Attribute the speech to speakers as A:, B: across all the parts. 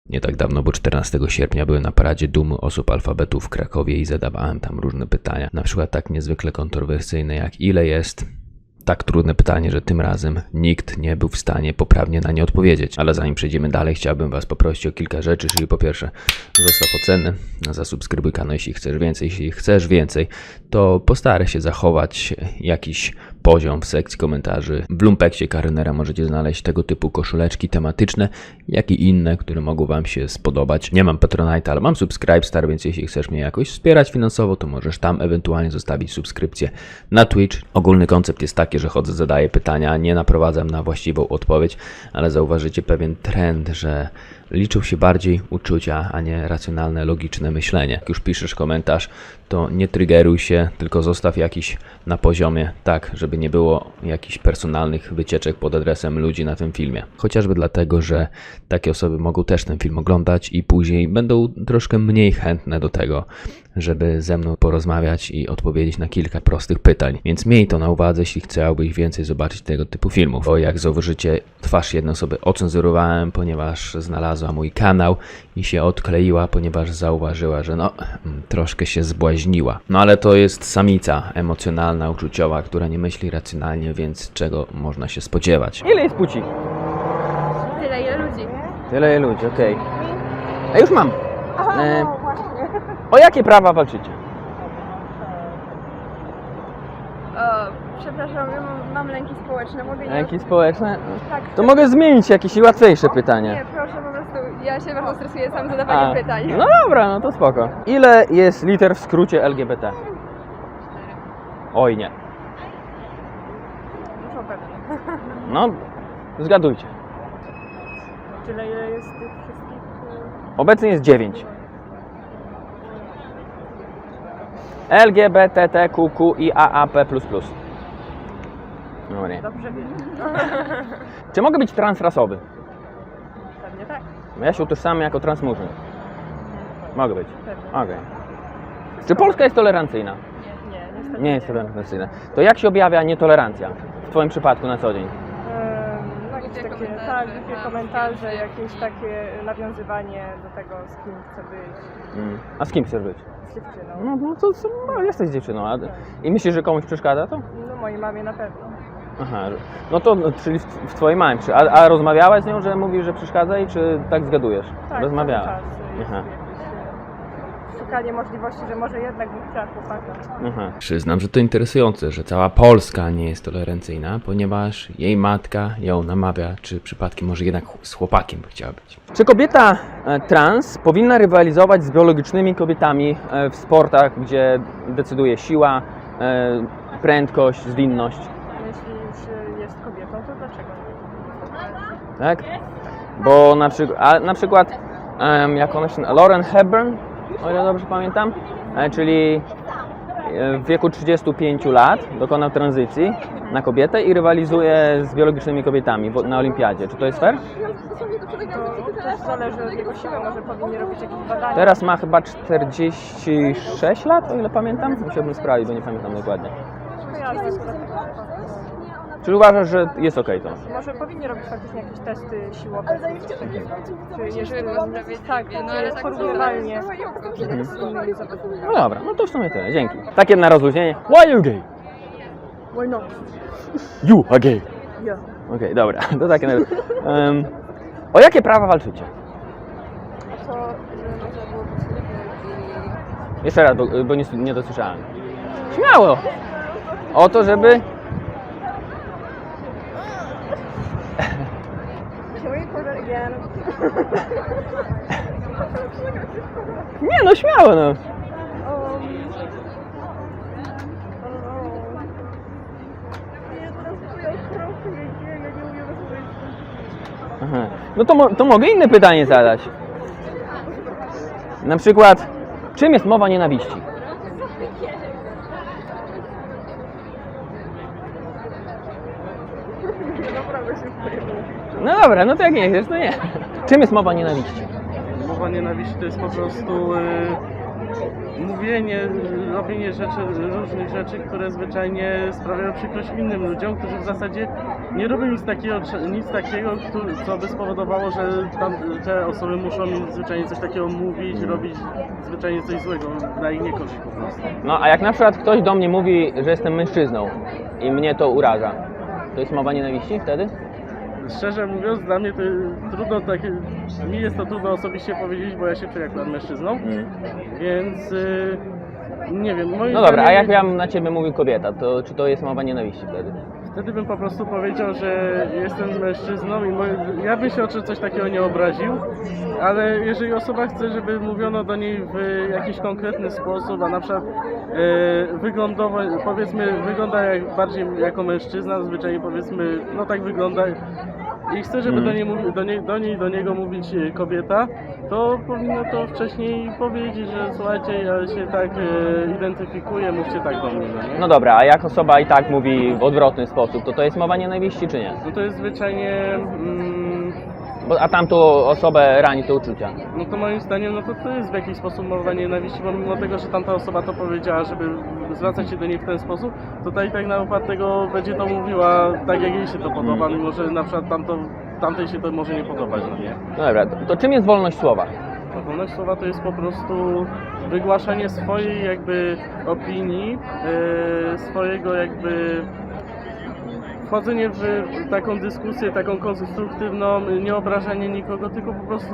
A: Nie tak dawno, bo 14 sierpnia byłem na paradzie dumy osób alfabetu w Krakowie i zadawałem tam różne pytania. Na przykład tak niezwykle kontrowersyjne jak ile jest. Tak trudne pytanie, że tym razem nikt nie był w stanie poprawnie na nie odpowiedzieć. Ale zanim przejdziemy dalej, chciałbym Was poprosić o kilka rzeczy, czyli po pierwsze zostaw ocenę, zasubskrybuj kanał, jeśli chcesz więcej, to postaraj się zachować jakiś poziom w sekcji komentarzy. W Lumpeksie Karynera możecie znaleźć tego typu koszuleczki tematyczne, jak i inne, które mogą Wam się spodobać. Nie mam Patronite'a, ale mam Subscribestar, więc jeśli chcesz mnie jakoś wspierać finansowo, to możesz tam ewentualnie zostawić subskrypcję na Twitch. Ogólny koncept jest taki, że chodzę, zadaję pytania, nie naprowadzam na właściwą odpowiedź, ale zauważycie pewien trend, że liczą się bardziej uczucia, a nie racjonalne, logiczne myślenie. Jak już piszesz komentarz, to nie triggeruj się, tylko zostaw jakiś na poziomie, tak, żeby nie było jakichś personalnych wycieczek pod adresem ludzi na tym filmie. Chociażby dlatego, że takie osoby mogą też ten film oglądać i później będą troszkę mniej chętne do tego, żeby ze mną porozmawiać i odpowiedzieć na kilka prostych pytań. Więc miej to na uwadze, jeśli chciałbyś więcej zobaczyć tego typu filmów. Bo jak zauważycie, twarz jednej osoby ocenzurowałem, ponieważ znalazła mój kanał i się odkleiła, ponieważ zauważyła, że troszkę się zbłaźniła. No ale to jest samica emocjonalna, uczuciowa, która nie myśli racjonalnie, więc czego można się spodziewać?
B: Ile jest płci?
C: Tyle, ile ludzi.
B: Tyle jest ludzi, okej. A już mam. O jakie prawa walczycie?
C: Przepraszam, ja mam lęki społeczne, mogę nie...
B: Lęki społeczne?
C: Tak.
B: To mogę zmienić jakieś łatwiejsze pytanie.
C: Nie, proszę, po prostu ja się bardzo stresuję sam zadawaniem pytań.
B: No dobra, no to spoko. Ile jest liter w skrócie LGBT? Oj nie.
C: Muszą pewnie.
B: No, zgadujcie.
C: Tyle, ile jest tych wszystkich...
B: Obecnie jest 9. LGBTQIAAP++. No nie.
C: Dobrze wiem.
B: Czy mogę być transrasowy?
C: Pewnie tak.
B: Ja się utożsamiam jako transmurzyn. Mogę być.
C: Pewnie.
B: Okej. Czy Polska jest tolerancyjna?
C: Nie, niestety
B: Nie jest tolerancyjna. To jak się objawia nietolerancja w Twoim przypadku na co dzień?
D: No jakieś takie, tak, głupie komentarze, jakieś takie nawiązywanie do tego, z kim chcę być,
B: A z kim chcesz być?
D: z dziewczyną.
B: No to jesteś dziewczyną. I myślisz, że komuś przeszkadza to?
D: No mojej mamie na pewno.
B: Aha, no to czyli w Twojej mamie. A rozmawiałaś z nią, że mówi, że przeszkadza i czy tak zgadujesz?
D: Tak,
B: Rozmawiałaś.
D: cały czas jest
B: Aha.
D: jakieś szukanie możliwości, że może jednak bym chciała chłopaka.
B: Aha.
A: Przyznam, że to interesujące, że cała Polska nie jest tolerancyjna, ponieważ jej matka ją namawia, czy przypadkiem może jednak z chłopakiem by chciała być.
B: Czy kobieta trans powinna rywalizować z biologicznymi kobietami w sportach, gdzie decyduje siła, prędkość, zwinność?
D: Jeśli już jest kobietą, to dlaczego nie?
B: Tak? Bo na przykład jak ona się Lauren Hepburn, o ile dobrze pamiętam, czyli w wieku 35 lat dokonał tranzycji na kobietę i rywalizuje z biologicznymi kobietami na olimpiadzie. Czy to jest fair?
D: To zależy od jego siły, może powinni robić jakieś badania.
B: Teraz ma chyba 46 lat, o ile pamiętam. Musiałbym sprawdzić, bo nie pamiętam dokładnie.
D: Jasne, to dlatego.
B: Czy uważasz, że jest okej to?
D: Może powinni robić faktycznie jakieś testy siłowe. Czy jest tak,
C: no,
D: czy
C: ale
D: jest
C: tak
D: porównywalnie z innymi zawodnikami.
B: No dobra, no to w sumie tyle, dzięki. Takie na rozluźnienie. Why you gay?
D: Why not?
B: You are gay.
D: Yeah.
B: Okej, dobra, to takie na o jakie prawa walczycie?
C: To, że można było być
B: Jeszcze raz, bo nie dosłyszałem. Śmiało! O to, żeby...
D: Can we record that again?
B: Nie no, śmiało no. Aha. No to mogę inne pytanie zadać. Na przykład, czym jest mowa nienawiści? No dobra, no to jak nie chcesz, to nie. Czym jest mowa nienawiści?
E: Mowa nienawiści to jest po prostu mówienie, robienie różnych rzeczy, które zwyczajnie sprawiają przykrość innym ludziom, którzy w zasadzie nie robią nic takiego, co by spowodowało, że te osoby muszą zwyczajnie coś takiego mówić, robić zwyczajnie coś złego na ich niekorzyść po prostu.
B: No a jak na przykład ktoś do mnie mówi, że jestem mężczyzną i mnie to uraża, to jest mowa nienawiści wtedy?
E: Szczerze mówiąc, dla mnie to trudno mi jest to trudno osobiście powiedzieć, bo ja się czuję akurat mężczyzną, więc nie wiem. Moim
B: No dobra, a
E: zdaniem,
B: jak ja na ciebie mówił kobieta, to czy to jest mowa nienawiści wtedy?
E: wtedy bym po prostu powiedział, że jestem mężczyzną i ja bym się o coś takiego nie obraził, ale jeżeli osoba chce, żeby mówiono do niej w jakiś konkretny sposób, a na przykład wyglądowo, powiedzmy, wygląda bardziej jako mężczyzna, zwyczajnie powiedzmy, no tak wygląda i chce, żeby do niego mówić kobieta, to powinno to wcześniej powiedzieć, że słuchajcie, ja się tak identyfikuję, mówcie tak do mnie, no nie?
B: No dobra, a jak osoba i tak mówi w odwrotny sposób, to jest mowa nienawiści czy nie?
E: No to jest zwyczajnie,
B: A tamtą osobę rani to uczucia.
E: no to moim zdaniem, no to jest w jakiś sposób mowa nienawiści, bo mimo tego, że tamta osoba to powiedziała, żeby zwracać się do niej w ten sposób, to ta i tak na upartego będzie to mówiła tak, jak jej się to podoba, mimo że na przykład tamtej się to może nie podobać, no nie?
B: No dobra, to czym jest wolność słowa?
E: No, wolność słowa to jest po prostu wygłaszanie swojej jakby opinii, swojego jakby wchodzenie w taką dyskusję, taką konstruktywną, nie obrażanie nikogo, tylko po prostu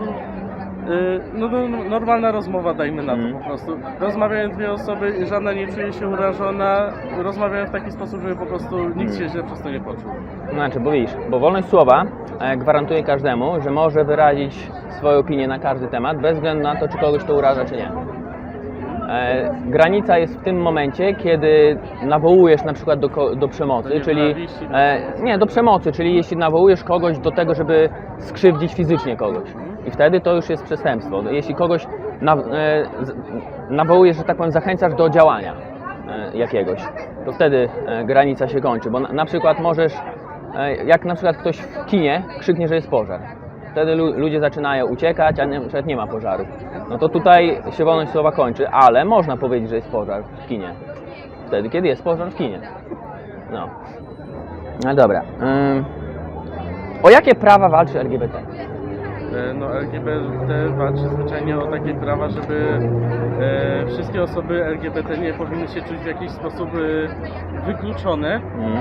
E: normalna rozmowa, dajmy na to po prostu. Rozmawiają dwie osoby, żadna nie czuje się urażona, rozmawiają w taki sposób, żeby po prostu nikt się źle przez to nie poczuł.
B: Znaczy, bo widzisz, bo wolność słowa gwarantuje każdemu, że może wyrazić swoją opinię na każdy temat, bez względu na to, czy kogoś to uraża, czy nie. Granica jest w tym momencie, kiedy nawołujesz na przykład do przemocy, czyli nie, do przemocy, czyli jeśli nawołujesz kogoś do tego, żeby skrzywdzić fizycznie kogoś. I wtedy to już jest przestępstwo. Jeśli kogoś nawołujesz, że tak powiem, zachęcasz do działania jakiegoś, to wtedy granica się kończy, bo na przykład możesz, jak na przykład ktoś w kinie krzyknie, że jest pożar. Wtedy ludzie zaczynają uciekać, a na przykład nie ma pożaru. No to tutaj się wolność słowa kończy, ale można powiedzieć, że jest pożar w kinie. Wtedy, kiedy jest pożar w kinie. No. No dobra. O jakie prawa walczy LGBT?
E: No LGBT walczy zwyczajnie o takie prawa, żeby wszystkie osoby LGBT nie powinny się czuć w jakiś sposób wykluczone.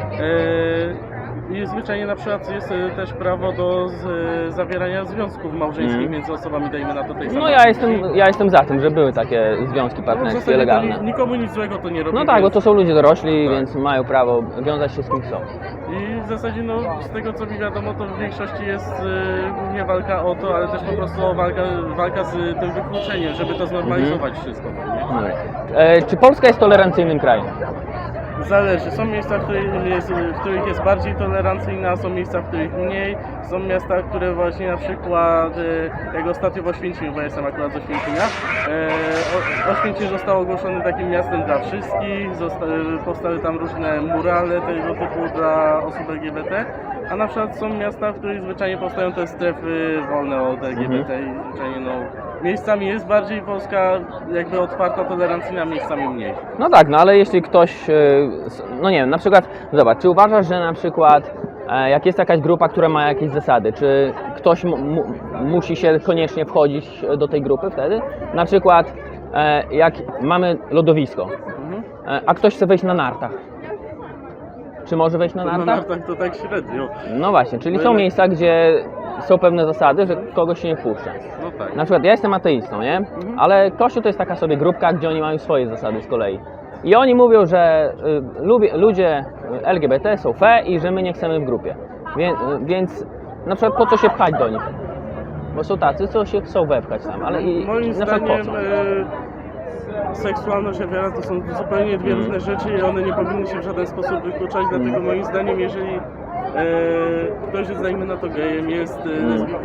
E: I zwyczajnie na przykład jest też prawo do zawierania związków małżeńskich między osobami, dajmy na to tej samej.
B: No ja jestem za tym, że były takie związki partnerskie legalne.
E: Nikomu nic złego to nie robi.
B: No tak, bo to są ludzie dorośli, więc mają prawo wiązać się z kim chcą.
E: I w zasadzie no, z tego co mi wiadomo, to w większości jest głównie walka o to, ale też po prostu walka z tym wykluczeniem, żeby to znormalizować wszystko. Nie?
B: Czy Polska jest tolerancyjnym krajem?
E: Zależy. Są miejsca, w których jest bardziej tolerancyjna, są miejsca, w których mniej. Są miasta, które właśnie na przykład, jak ostatnio w Oświęcimiu, bo ja jestem akurat z Oświęcimia, Oświęcim zostało ogłoszone takim miastem dla wszystkich, powstały tam różne murale tego typu dla osób LGBT, a na przykład są miasta, w których zwyczajnie powstają te strefy wolne od LGBT i zwyczajnie no, miejscami jest bardziej Polska jakby otwarta, tolerancyjna, miejscami mniej.
B: No tak, no ale jeśli ktoś, no nie wiem, na przykład, zobacz, czy uważasz, że na przykład jak jest jakaś grupa, która ma jakieś zasady, czy ktoś musi się koniecznie wchodzić do tej grupy wtedy? Na przykład jak mamy lodowisko, a ktoś chce wejść na nartach. Czy może wejść na nartach?
E: Na nartach to tak średnio.
B: No właśnie, czyli są miejsca, gdzie są pewne zasady, że kogoś się nie wpuszcza.
E: No tak.
B: Na przykład ja jestem ateistą, nie? Ale Kościół to jest taka sobie grupka, gdzie oni mają swoje zasady z kolei. I oni mówią, że ludzie LGBT są fe i że my nie chcemy w grupie. Więc na przykład po co się pchać do nich? Bo są tacy, co się chcą wepchać tam, ale
E: Moim
B: na przykład
E: zdaniem
B: po co?
E: seksualność, a wiara to są zupełnie dwie różne rzeczy i one nie powinny się w żaden sposób wykluczać, dlatego moim zdaniem, jeżeli ktoś jest, dajmy na to, gejem, jest lesbijką,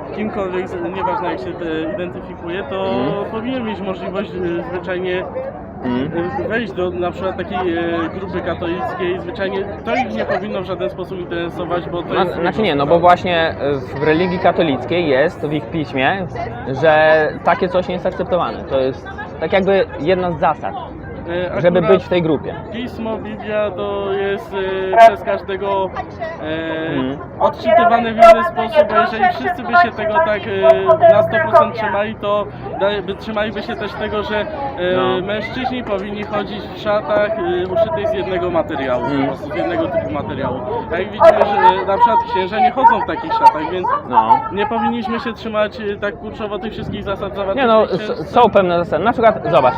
E: kimkolwiek, nieważne jak się identyfikuje, to powinien mieć możliwość zwyczajnie wejść do na przykład takiej grupy katolickiej, zwyczajnie to ich nie powinno w żaden sposób interesować, bo to jest...
B: Znaczy nie, no bo właśnie w religii katolickiej jest w ich piśmie, że takie coś nie jest akceptowane. To jest tak jakby jedna z zasad, żeby
E: Akurat
B: być w tej grupie.
E: Pismo, Biblia to jest przez każdego odczytywane w inny sposób, a jeżeli wszyscy by się tego tak na 100% trzymali, to trzymaliby się też tego, że mężczyźni powinni chodzić w szatach uszytych z jednego materiału, po prostu z jednego typu materiału. A jak widzimy, że na przykład księża nie chodzą w takich szatach, więc nie powinniśmy się trzymać tak kurczowo tych wszystkich zasad zawartych
B: Nie no,
E: w księstwie.
B: są pewne zasady. Na przykład, zobacz,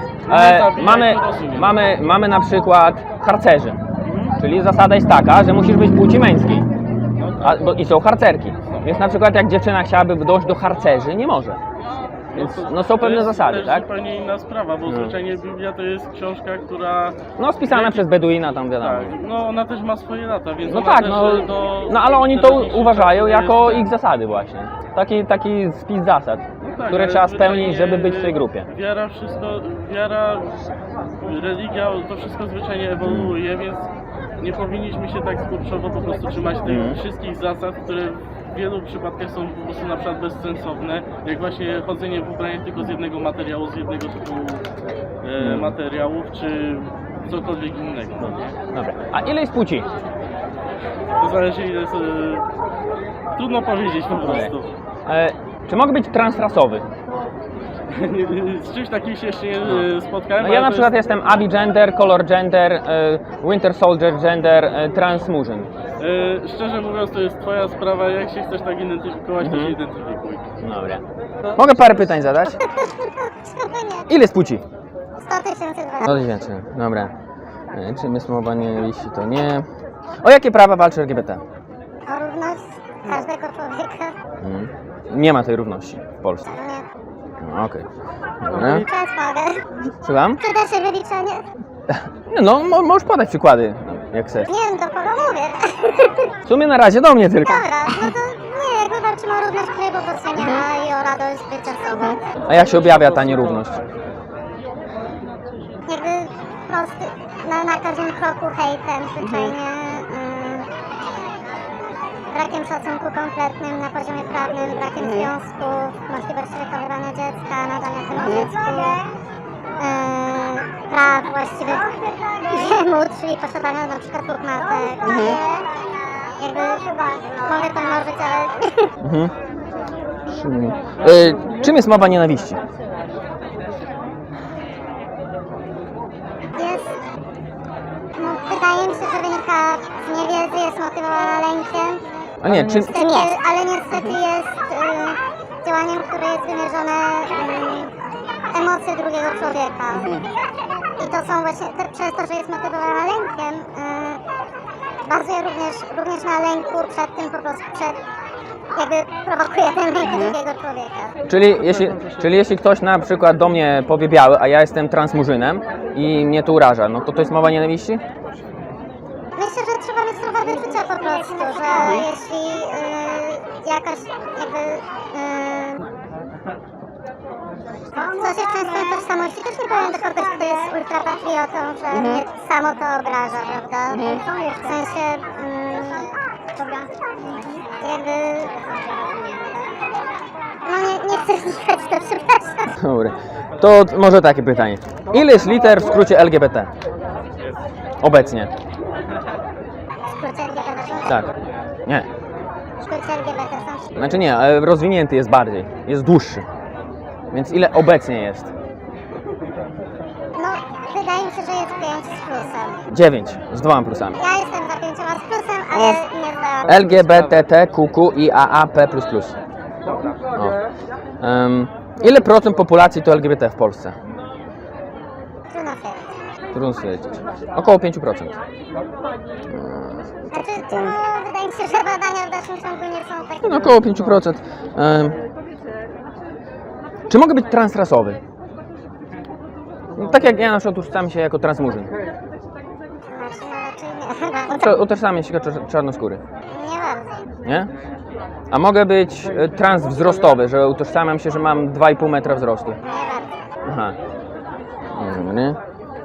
B: mamy na przykład harcerzy, czyli zasada jest taka, że musisz być płci męskiej. I są harcerki. Więc na przykład jak dziewczyna chciałaby dojść do harcerzy, nie może. Więc no, są pewne zasady,
E: to
B: tak?
E: jest zupełnie inna sprawa, bo zwyczajnie Biblia to jest książka, która...
B: No spisana przez Beduina tam wiadomo.
E: Tak, no ona też ma swoje lata, więc
B: No
E: ona
B: tak,
E: też
B: no ale oni to
E: teraźniejszych
B: uważają
E: czasów
B: jako
E: jest-
B: ich zasady właśnie. Taki spis zasad,
E: No tak,
B: które
E: ale
B: trzeba
E: zwyczajnie
B: spełnić, żeby być w tej grupie.
E: Wiara, religia, to wszystko zwyczajnie ewoluuje, więc nie powinniśmy się tak skurczowo po prostu trzymać tych wszystkich zasad, które w wielu przypadkach są po prostu na przykład bezsensowne, jak właśnie chodzenie w ubraniach tylko z jednego materiału, z jednego typu materiałów, czy cokolwiek innego. No nie?
B: Dobra. A ile jest płci?
E: To zależy ile jest... Trudno powiedzieć po prostu.
B: Czy mogę być transrasowy?
E: Z czymś takim się jeszcze nie spotkałem.
B: No
E: ale
B: ja
E: to
B: na przykład
E: jest,
B: jestem Abi gender, Color gender, Winter Soldier gender, Trans Murzyn.
E: szczerze mówiąc, to jest twoja sprawa, jak się chcesz tak identyfikować, to się identyfikuj.
B: Dobra. Mogę parę pytań zadać? Ile jest płci?
C: 100 tysięcy
B: No to więcej. Dobra. Czy my słowa nienawiści to nie. O jakie prawa walczy LGBT?
C: O równość każdego człowieka.
B: Nie ma tej równości w Polsce. No, okej. Dobra.
C: Teraz mogę.
B: Słucham?
C: Przyda się wyliczenie?
B: No, możesz podać przykłady, jak chcesz.
C: Nie wiem, do kogo mówię.
B: W sumie na razie do mnie tylko.
C: Dobra, no to nie, jakby walczymy o równość klubu doceniania i o radość bycia sobą.
B: A jak się objawia ta nierówność?
C: Jakby prosty, na każdym kroku hejtem, zwyczajnie brakiem szacunku kompletnym na poziomie prawnym, brakiem związków, możliwości wychowywania dziecka, nadania temu dziecku, praw właściwych jemu, czyli posiadania na przykład dwóch matek. Jakby mogę to mnożyć, ale
B: Czym jest mowa nienawiści?
C: jest, no, wydaje mi się, że wynika z niewiedzy, jest motywowana lękiem.
B: A nie, czym...
C: Ale niestety jest działaniem, które jest wymierzone emocje drugiego człowieka. I to są właśnie, przez to, że jest motywowana lękiem, bazuje również na lęku przed tym po prostu, jakby prowokuje ten lęk drugiego człowieka.
B: Czyli jeśli ktoś na przykład do mnie powie biały, a ja jestem transmurzynem i mnie to uraża, no to jest mowa nienawiści?
C: Myślę, że trzeba mieć trochę wyczucia po prostu, że jeśli jakaś jakby coś jest często tożsamości, też nie powiem do kogoś, kto jest ultrapatriotą, że mnie samo to obraża, prawda? W sensie jakby no nie chcę znikać, to przepraszam.
B: Dobra. To może takie pytanie. Ile jest liter w skrócie LGBT? Obecnie.
C: W skrócie LGBT są?
B: Tak. Nie.
C: W skrócie LGBT są?
B: Znaczy nie, ale rozwinięty jest bardziej. Jest dłuższy. Więc ile obecnie jest?
C: No, wydaje mi się, że jest 5 z plusem.
B: 9 z 2 plusami.
C: Ja jestem za 5 z plusem, ale nie zdałam.
B: LGBTQIAAP++. O. Ile procent populacji to LGBT w Polsce?
C: Trudno stwierdzić.
B: Trudno stwierdzić. Około 5%.
C: Znaczy, no, wydaje mi się, że badania w dalszym ciągu nie są takie...
B: No, około 5%. Czy mogę być transrasowy? No, tak jak ja na przykład utożsamiam się jako transmurzyn.
C: Znaczy, no raczej nie.
B: Utożsamiam się jako czarnoskóry.
C: Nie bardzo.
B: Nie? A mogę być transwzrostowy, że utożsamiam się, że mam 2,5 metra wzrostu.
C: Nie bardzo.
B: Aha. Dobry.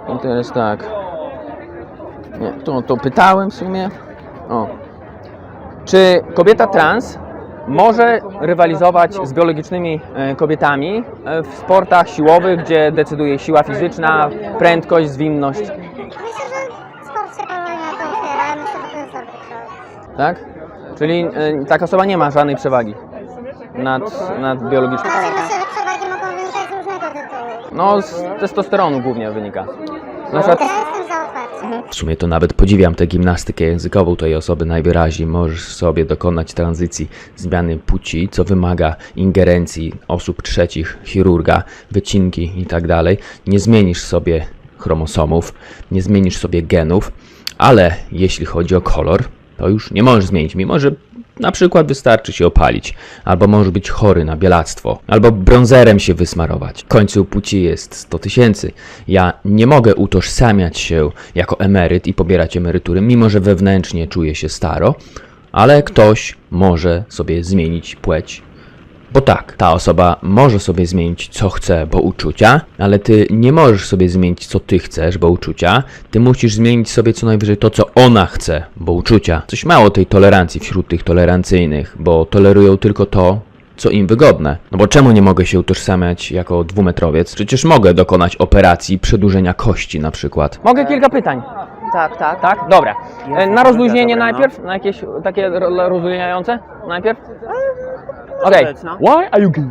B: I teraz tak. Nie, to pytałem w sumie. O. Czy kobieta trans może rywalizować z biologicznymi kobietami w sportach siłowych, gdzie decyduje siła fizyczna, prędkość, zwinność?
C: Myślę, że sport się powoli na to otwiera. Myślę, że to jest dobry krok.
B: Tak? Czyli taka osoba nie ma żadnej przewagi nad biologiczną.
C: Znaczy, myślę, że przewagi mogą wynikać z różnego tytułu.
B: No, z testosteronu głównie wynika. Na przykład,
C: Ja jestem za otwarciem.
A: W sumie to nawet podziwiam tę gimnastykę językową tej osoby najwyraźniej. Możesz sobie dokonać tranzycji zmiany płci, co wymaga ingerencji osób trzecich, chirurga, wycinki i tak dalej. Nie zmienisz sobie chromosomów, nie zmienisz sobie genów, ale jeśli chodzi o kolor, to już nie możesz zmienić, mimo że na przykład wystarczy się opalić, albo możesz być chory na bielactwo, albo brązerem się wysmarować. W końcu płci jest 100 000. Ja nie mogę utożsamiać się jako emeryt i pobierać emerytury, mimo że wewnętrznie czuję się staro, ale ktoś może sobie zmienić płeć. Bo tak, ta osoba może sobie zmienić co chce, bo uczucia, ale ty nie możesz sobie zmienić co ty chcesz, bo uczucia. Ty musisz zmienić sobie co najwyżej to, co ona chce, bo uczucia. Coś mało tej tolerancji wśród tych tolerancyjnych, bo tolerują tylko to, co im wygodne. No bo czemu nie mogę się utożsamiać jako dwumetrowiec? Przecież mogę dokonać operacji przedłużenia kości na przykład.
B: mogę kilka pytań?
F: Tak, tak.
B: Tak? Dobra.
F: Jest,
B: Na rozluźnienie
F: dobra, no.
B: najpierw? Na jakieś takie rozluźniające najpierw? Okej.
F: być, no.
B: Why are you gay?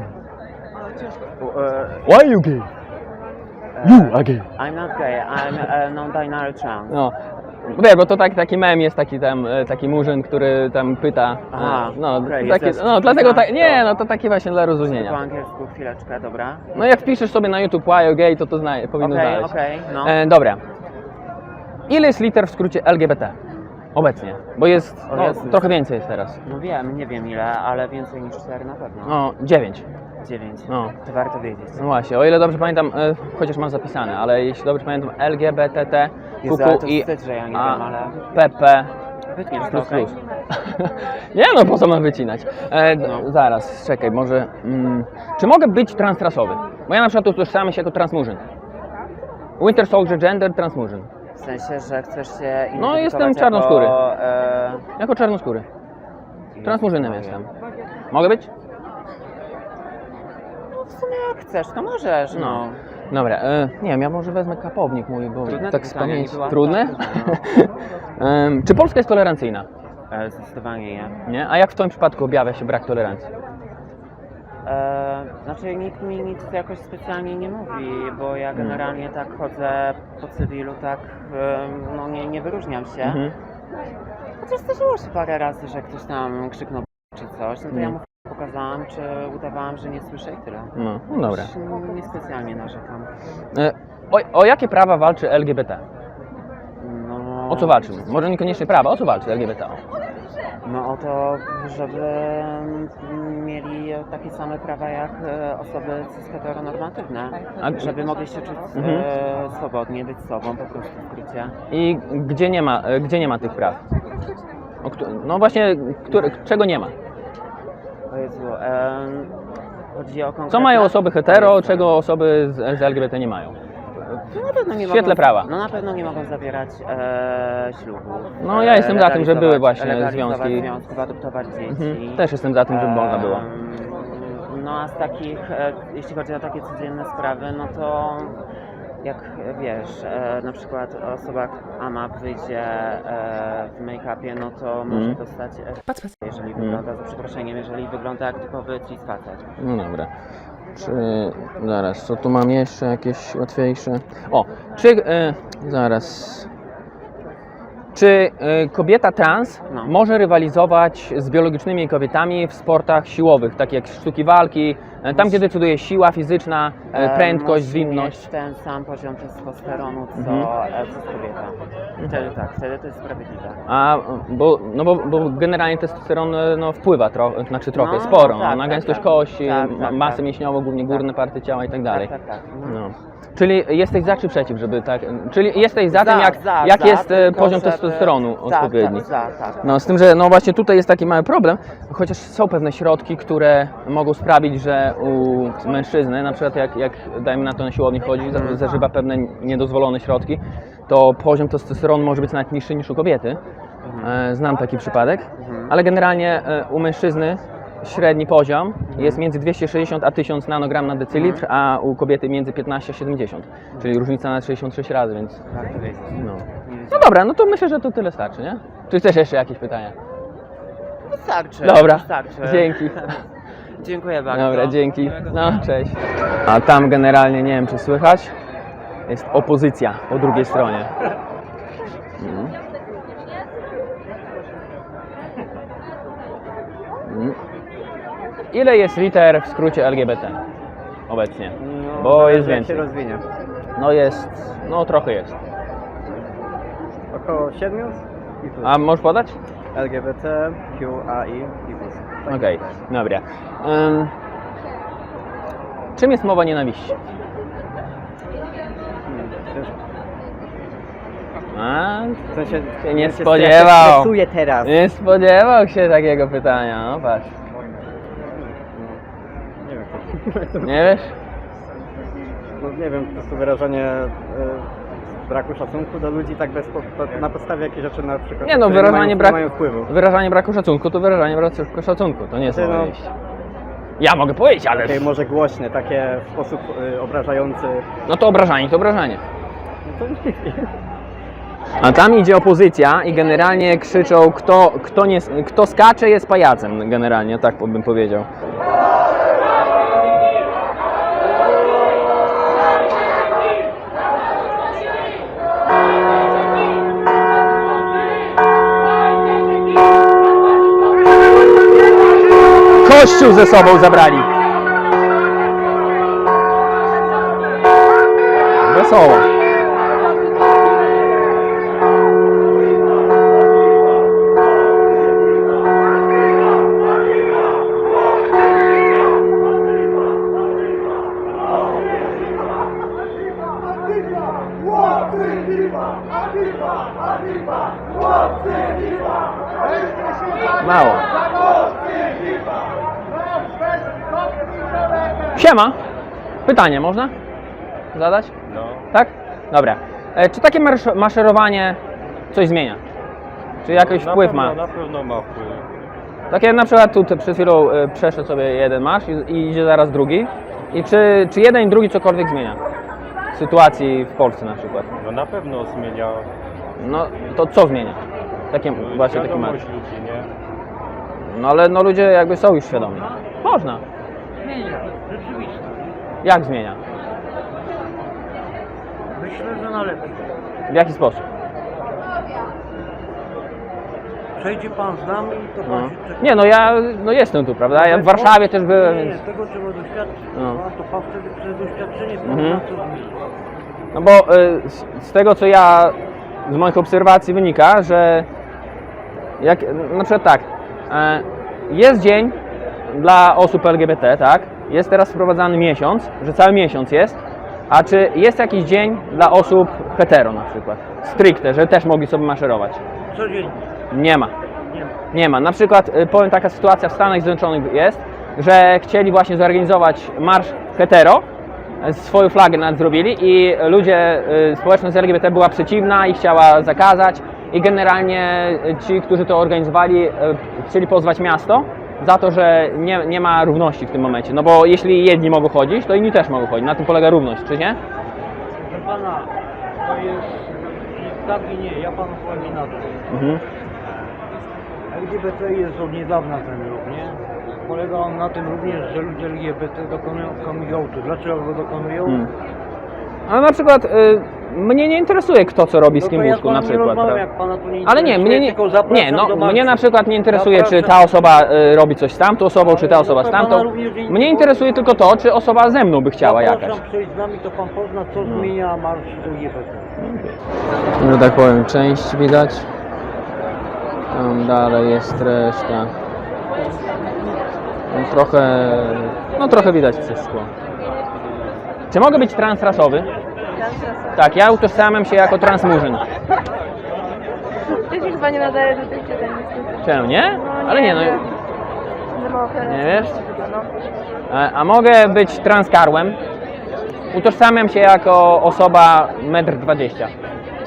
F: Uh,
B: Why are you gay? You are gay.
F: I'm not gay, I'm a non-binary trans.
B: No. Wiesz, bo to taki mem jest taki murzyn, który tam pyta.
F: Aha,
B: no,
F: okej,
B: taki,
F: jest
B: no dlatego
F: trans,
B: nie,
F: to-
B: no to taki właśnie dla
F: Po
B: rozluźnienia.
F: angielsku, chwileczkę, dobra.
B: No jak wpiszesz sobie na YouTube why are you gay, to powinno
F: Okej,
B: znaleźć.
F: okej, no.
B: Dobra. Ile jest liter w skrócie LGBT? Obecnie. Bo jest,
F: O
B: no,
F: Jezus.
B: trochę więcej jest teraz.
F: No wiem, nie wiem ile, ale więcej niż 4 na pewno.
B: No, 9.
F: 9.
B: No.
F: To warto wiedzieć.
B: No właśnie, o ile dobrze pamiętam, chociaż mam zapisane, ale jeśli dobrze pamiętam, LGBTT,
F: Jezu, ale to
B: QQ i
F: wstyd, że ja nie wiem, ale...
B: PP.
F: Wytniesz to,
B: Plus,
F: okej?
B: plus. Nie no, po co mam wycinać?
F: No.
B: Zaraz, czekaj, może... czy mogę być transrasowy? Bo ja na przykład utożsamiam się jako transmurzyn. Winter Soldier Gender Transmurzyn.
F: W sensie, że chcesz się
B: No, jestem
F: identyfikować
B: czarnoskóry.
F: Jako,
B: Jako czarnoskóry. Transmurzynem jestem. Mogę być?
F: W sumie jak chcesz, to możesz, no.
B: Dobra, nie wiem, ja może wezmę kapownik mój, bo
F: Trudne
B: tak
F: to
B: z
F: pytanie,
B: pamięci...
F: nie była?
B: Trudne?
F: Tak,
B: Czy Polska jest tolerancyjna?
F: Zdecydowanie nie.
B: Nie? A jak w Twoim przypadku objawia się brak tolerancji?
F: Znaczy nikt mi nic jakoś specjalnie nie mówi, bo ja generalnie tak chodzę po cywilu, tak no nie wyróżniam się.
B: Mhm.
F: Chociaż zdarzyło się parę razy, że ktoś tam krzyknął czy coś, no to ja mu pokazałam, czy udawałam, że nie słyszę i tyle.
B: No, no dobra.
F: Już niespecjalnie narzekam.
B: O jakie prawa walczy LGBT?
F: No,
B: O co walczy? Może niekoniecznie prawa, o co walczy LGBT?
F: No o to, żeby mieli takie same prawa jak osoby cis-heteronormatywne.
B: A-
F: Żeby mogli się czuć
B: Mhm.
F: swobodnie, być sobą po prostu w skrócie.
B: I gdzie nie ma tych praw? No właśnie, czego nie ma?
F: O Jezu, chodzi o konkretne...
B: Co mają osoby hetero, czego osoby z LGBT nie mają?
F: No na pewno nie
B: w świetle
F: mogą,
B: prawa.
F: No na pewno nie mogą zawierać ślubu.
B: No ja jestem za tym, że były właśnie
F: legalizować
B: związki.
F: związków, adoptować dzieci.
B: Mhm. Też jestem za tym, żeby można było.
F: No a z takich, jeśli chodzi o takie codzienne sprawy, no to jak wiesz, na przykład osoba AMAP wyjdzie w make-upie, no to może dostać, jeżeli wygląda, za przeproszeniem, jeżeli wygląda jak typowy cis facet.
B: No dobra. Zaraz, co tu mam jeszcze jakieś łatwiejsze? O, zaraz. Czy kobieta trans
F: No.
B: może rywalizować z biologicznymi kobietami w sportach siłowych, tak jak sztuki walki, tam gdzie decyduje siła fizyczna, prędkość,
F: Musi
B: zwinność?
F: mieć ten sam poziom testosteronu, co kobieta. Wtedy tak, wtedy to jest sprawiedliwe.
B: Bo generalnie testosteron wpływa trochę,
F: No,
B: sporo,
F: tak,
B: na
F: tak,
B: gęstość
F: tak.
B: kości,
F: Tak, tak,
B: masę
F: tak.
B: mięśniową, głównie górne partie ciała i tak dalej.
F: Tak.
B: No. Czyli jesteś za czy przeciw, żeby tak... Czyli jesteś za tym,
F: Za,
B: jak jest
F: tylko
B: poziom
F: żeby-
B: testosteronu odpowiedni.
F: Tak.
B: No z tym, że no właśnie tutaj jest taki mały problem, chociaż są pewne środki, które mogą sprawić, że u mężczyzny, na przykład jak dajmy na to na siłowni chodzi, zażywa pewne niedozwolone środki, to poziom testosteronu może być nawet niższy niż u kobiety. Znam taki przypadek, ale generalnie u mężczyzny średni poziom jest między 260 a 1000 nanogram na decylitr, a u kobiety między 15 a 70, czyli różnica na 66 razy, więc no dobra, no to myślę, że to tyle starczy, nie? Czy chcesz jeszcze jakieś pytania?
F: Wystarczy.
B: Dobra,
F: Wystarczy.
B: dzięki.
F: Dziękuję bardzo.
B: Dobra, dzięki. No, cześć. A tam generalnie, nie wiem czy słychać, jest opozycja po drugiej stronie. Ile jest liter w skrócie LGBT obecnie? Bo jest więcej.
G: Jak się rozwinie?
B: No jest, no trochę jest.
G: Około 7 i plus.
B: A możesz podać?
G: LGBT, QAI i plus. Tak.
B: Okej, dobra. Czym jest mowa nienawiści?
G: Ciężko.
B: A,
G: W sensie,
B: się nie
G: ja się
B: spodziewał.
G: stresuję teraz.
B: Nie spodziewał się takiego pytania, no patrz.
G: Nie wiem, jak to-
B: Nie wiesz?
G: no nie wiem, po prostu wyrażanie braku szacunku do ludzi tak na podstawie jakichś rzeczy na przykład,
B: Nie no,
G: które
B: wyrażanie
G: nie mają wpływu.
B: wyrażanie braku szacunku to wyrażanie braku szacunku, to nie jest
G: Znaczy,
B: mowa
G: no-
B: nienawiści. Ja mogę powiedzieć, ale...
G: Takie może głośne, takie w sposób obrażający.
B: No to obrażanie, to obrażanie.
G: No to nie wiem.
B: A tam idzie opozycja i generalnie krzyczą, kto skacze jest pajacem, generalnie, tak bym powiedział. Kościół ze sobą zabrali. Wesoło. Mało. Siema. Pytanie można zadać?
H: No,
B: Tak? Dobra. Czy takie maszerowanie coś zmienia? Czy jakiś wpływ ma?
H: Na pewno ma wpływ.
B: Takie na przykład tu przed chwilą przeszedł sobie jeden marsz i idzie zaraz drugi. I czy jeden i drugi cokolwiek zmienia? W sytuacji w Polsce na przykład.
H: No na pewno zmienia
B: No to co zmienia? Takie, właśnie taki marsz.
H: świadomość ludzi, nie?
B: No ale no ludzie jakby są już świadomi. Można.
I: Zmienia, rzeczywiście.
B: Jak zmienia?
I: Myślę, że na lepiej.
B: W jaki sposób?
I: Przejdzie pan z nami, to pan
B: No.
I: się czeka.
B: Nie no ja jestem tu, prawda? Ja w Warszawie też byłem,
I: Nie,
B: więc...
I: tego trzeba doświadczyć.
B: No.
I: A to pan wtedy przez doświadczenie
B: Mhm.
I: pozna, co zmieni.
B: No bo z tego co ja z moich obserwacji wynika, że jak na przykład tak, jest dzień dla osób LGBT, tak? Jest teraz wprowadzany miesiąc, że cały miesiąc jest, a czy jest jakiś dzień dla osób hetero na przykład? Stricte, że też mogli sobie maszerować?
I: Codziennie.
B: Nie ma.
I: Nie ma.
B: Nie ma. Na przykład powiem, taka sytuacja w Stanach Zjednoczonych jest, że chcieli właśnie zorganizować marsz hetero, swoją flagę nawet zrobili i ludzie, społeczność LGBT była przeciwna i chciała zakazać i generalnie ci, którzy to organizowali, chcieli pozwać miasto za to, że nie ma równości w tym momencie. No bo jeśli jedni mogą chodzić, to inni też mogą chodzić. Na tym polega równość, czy nie?
I: Proszę pana, to jest tak i nie. Ja panu powiem inaczej.
B: Mhm.
I: LGBT jest od niedawna ten ruch, nie? Polega on na tym również, że ludzie LGBT dokonują coming outu. Dlaczego go dokonują?
B: Ale na przykład mnie nie interesuje kto co robi z
I: No
B: kim
I: to
B: w
I: ja
B: łóżku na
I: panu nie
B: przykład.
I: rozmawiam,
B: prawda?
I: jak pana to nie
B: Ale nie,
I: interesuje,
B: mnie nie,
I: tylko zapraszam
B: nie, no,
I: do
B: mnie
I: marszu.
B: na przykład nie interesuje, czy ta
I: Zapraszam.
B: osoba robi coś z tamtą osobą, czy ta osoba z tamtą. Mnie interesuje tylko to, czy osoba ze mną by chciała jakaś.
I: Zapraszam przejść z nami, to pan pozna, co zmienia marsz LGBT.
B: Że tak powiem, część widać. Tam dalej jest reszta. No trochę widać przez szkło. Czy mogę być transrasowy?
D: Transrasowy.
B: Tak, ja utożsamiam się jako transmurzyn.
D: Ja się chyba nie nadaje do tych pytań niestety.
B: Czemu nie?
D: No,
B: Ale nie, no.
D: wiem. Za mało
B: Nie wiesz?
D: no.
B: A mogę być transkarłem? Utożsamiam się jako osoba 1,20 m.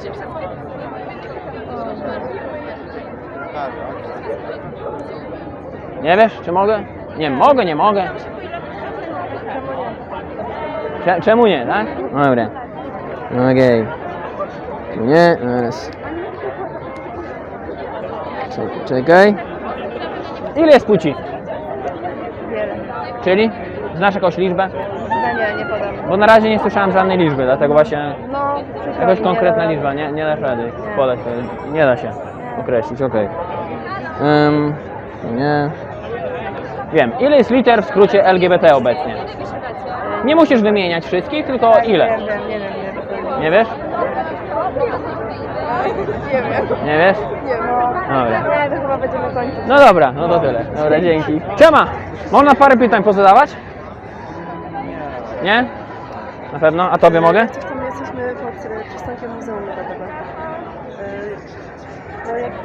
B: Nie wiesz, czy mogę? Nie, mogę, nie mogę. Czemu nie, tak? Dobra. Okej. Tu nie, teraz. Czekaj. Ile jest płci?
D: Wiele.
B: Czyli? Znasz jakąś liczbę?
D: No nie podam.
B: Bo na razie nie słyszałem żadnej liczby, dlatego właśnie
D: No,
B: jakaś
D: nie
B: konkretna
D: da.
B: liczba, nie dasz rady podać, nie da się określić, okej. Nie. Wiem, ile jest liter w skrócie LGBT obecnie? Nie musisz wymieniać wszystkich, tylko ile?
D: Nie wiem.
B: Nie wiesz?
D: Nie wiem.
B: Nie wiesz?
D: Nie no.
B: Dobra.
D: Nie, to chyba będziemy kończyć.
B: No dobra, no to tyle. Dobra, dzięki. Siema! Można parę pytań pozadawać? Nie? Na pewno? A tobie mogę?
D: Coś tam jesteśmy pod przystankiem Muzeum Narodowego. No jakby...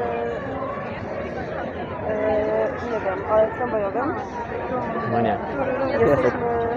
D: nie wiem, ale tramwajowym.
B: No nie.
D: Jesteśmy...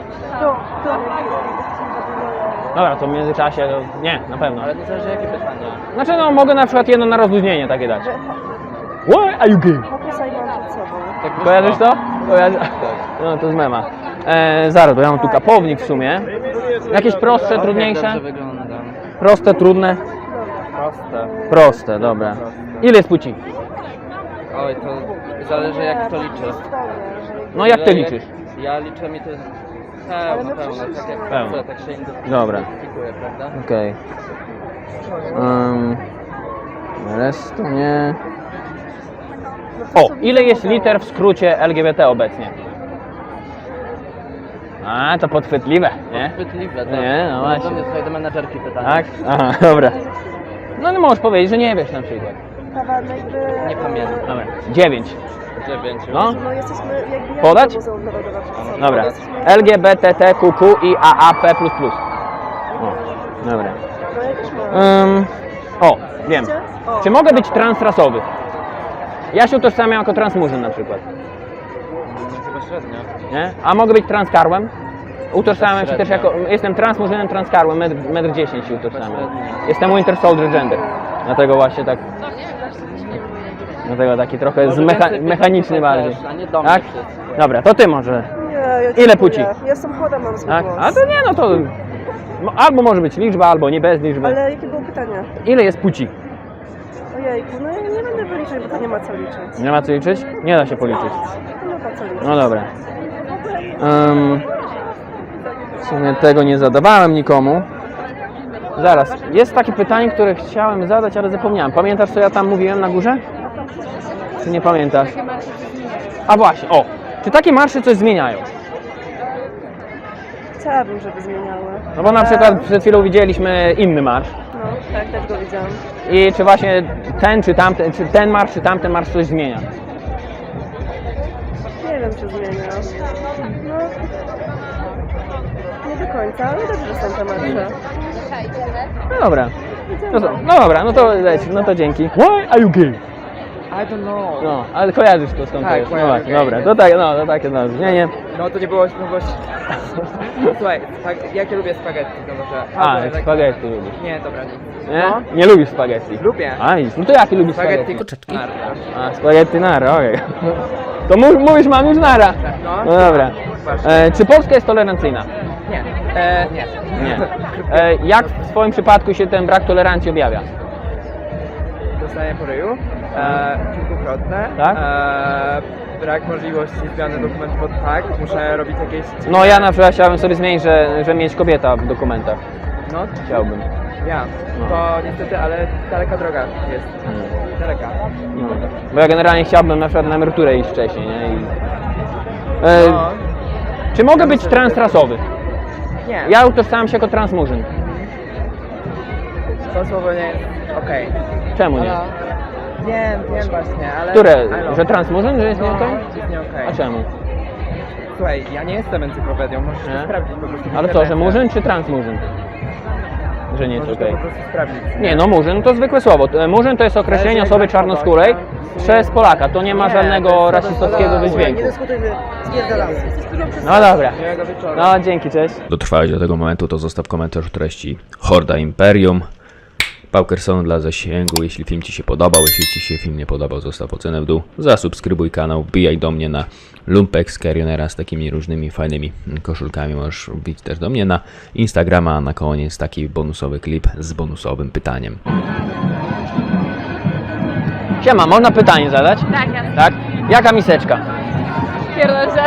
B: Dobra, to w międzyczasie, to nie, na pewno.
F: Ale to zależy jakie pytania.
B: Znaczy no, mogę na przykład jedno na rozluźnienie takie dać. Why are you gay?
D: Fokusa i mam przed sobą.
B: Kojarzysz to? No to z mema. Zaraz, bo ja mam tu kapownik w sumie. Jakieś prostsze, trudniejsze?
F: Dobrze wyglądam.
B: Proste, trudne?
F: Proste.
B: Proste, dobra. Ile jest płci?
F: Oj, to zależy jak to liczy.
B: No jak ty liczysz?
F: Ja liczę mi to pełno, tak jak
B: Pełno.
F: chcę, tak się
B: Dobra.
F: identyfikuję, prawda?
B: Okej. Resztę nie. O, ile jest liter w skrócie LGBT obecnie? A, to podchwytliwe, nie?
F: Chwytliwe, tak.
B: Nie, no właśnie.
F: Do mnie tutaj do menadżerki pytanie.
B: Tak? Aha, dobra. No nie możesz powiedzieć, że nie wiesz na przykład.
D: Kawa, no jakby...
F: Nie pamiętam.
B: Dobra. 9.
F: 9.
B: No.
D: No jesteśmy jakby... ja
B: Podać?
D: do Muzeum Narodowego przed sobą.
B: Dobra.
D: Jesteśmy-
B: LGBTQQ i AAP++. O, dobra.
D: No ja też mam.
B: O, wiem.
D: O.
B: Czy mogę być transrasowy? Ja się utożsamiam jako transmurzyn na przykład.
F: Chyba średnio.
B: Nie? A mogę być transkarłem? Utożsamiam się też
F: Średnio.
B: jako... Jestem transmurzynem, transkarłem, 1,10 m się utożsamiam.
F: Średnio.
B: Jestem Winter Soldier Gender. Dlatego właśnie tak... Dlatego taki trochę
F: Może więcej
B: mechaniczny
F: pytań
B: bardziej.
F: też, a nie do mnie
B: Tak?
F: wszyscy.
B: Dobra, to ty może.
D: Nie, ja
B: Ile
D: dziękuję.
B: płci?
D: Ja jestem chora, mam zły
B: Tak?
D: głos.
B: A to nie, no to... Albo może być liczba, albo nie bez liczby.
D: Ale jakie było pytanie?
B: Ile jest płci?
D: Ojejku, no ja nie będę wyliczać, bo to nie ma co liczyć.
B: Nie ma co liczyć? Nie da się policzyć.
D: Nie ma co liczyć.
B: No dobra. W sumie tego nie zadawałem nikomu. Zaraz, jest takie pytanie, które chciałem zadać, ale zapomniałem. Pamiętasz, co ja tam mówiłem na górze? Czy nie pamiętasz? A właśnie, o! Czy takie marsze coś zmieniają?
D: Chciałabym, żeby zmieniały.
B: No bo na przykład przed chwilą widzieliśmy inny marsz.
D: No, tak, też go widziałam.
B: I czy właśnie ten, czy tamten, czy ten marsz, czy tamten marsz coś zmienia?
D: Nie wiem, czy zmienia. No, nie do końca, ale dobrze, że są te marsze.
B: No dobra. No dobra, no to leć, no to dzięki. Why are you gay?
F: I don't know.
B: No, ale kojarzysz to skąd to
F: Tak,
B: jest. No
F: kojarzę,
B: właśnie,
F: kojarzę.
B: dobra, to tak, no, to takie no, brzmienie.
F: No to nie było, no właśnie. Słuchaj, jak ja lubię spaghetti, to może...
B: A, jak spaghetti lubisz.
F: Nie, dobra, nie.
B: Nie?
F: No.
B: Nie lubisz spaghetti.
F: Lubię.
B: A, no to jaki lubisz
F: Spaghetti
B: spaghetti?
F: nara.
B: A, spaghetti nara, okej. To mówisz, mam już nara.
F: No.
B: No dobra.
F: Właśnie.
B: Czy Polska jest tolerancyjna?
F: Nie. Nie.
B: Nie. Jak w swoim przypadku się ten brak tolerancji objawia?
F: Dostanie po ryju. Kilkukrotne.
B: Tak?
F: Brak możliwości zmiany dokumentów, bo tak, muszę robić jakieś...
B: No ja na przykład chciałbym sobie zmienić, że mieć kobieta w dokumentach.
F: No,
B: Chciałbym.
F: ja.
B: No.
F: To niestety, ale daleka droga jest. Daleka.
B: No. Bo ja generalnie chciałbym na przykład na emeryturę iść wcześniej, nie?
F: No.
B: Czy mogę być transrasowy?
F: Nie.
B: Ja utożsamiam się jako transmurzyn.
F: To słowo nie jest okej.
B: Czemu nie?
F: Wiem właśnie, ale...
B: Które?
F: I know.
B: Że transmurzyn, że jest nie okej?
F: Jest nie okej.
B: A czemu?
J: Słuchaj, ja nie jestem encyklopedią, możesz
B: Nie?
J: to sprawdzić po prostu. w
B: Ale co, że
J: internecie.
B: murzyn czy transmurzyn? Że nie jest
J: Możesz
B: okej.
J: to po prostu sprawdzić.
B: Nie, no murzyn to zwykłe słowo. Murzyn to jest określenie osoby czarnoskórej przez Polaka. To nie ma
J: Nie, to
B: żadnego
J: jest
B: rasistowskiego wydźwięku.
J: dyskutujmy, spierdalamy.
B: No dobra.
J: Miłego wieczoru.
B: No dzięki, cześć.
A: Dotrwałeś do tego momentu, to zostaw komentarz o treści Horda Imperium. Paukerson dla zasięgu, jeśli film Ci się podobał, jeśli Ci się film nie podobał, zostaw ocenę w dół, zasubskrybuj kanał, wbijaj do mnie na Lumpex Carrionera z takimi różnymi fajnymi koszulkami, możesz wbić też do mnie na Instagrama, a na koniec taki bonusowy klip z bonusowym pytaniem.
B: Siema, można pytanie zadać?
K: Tak, jasne.
B: Tak? Jaka miseczka?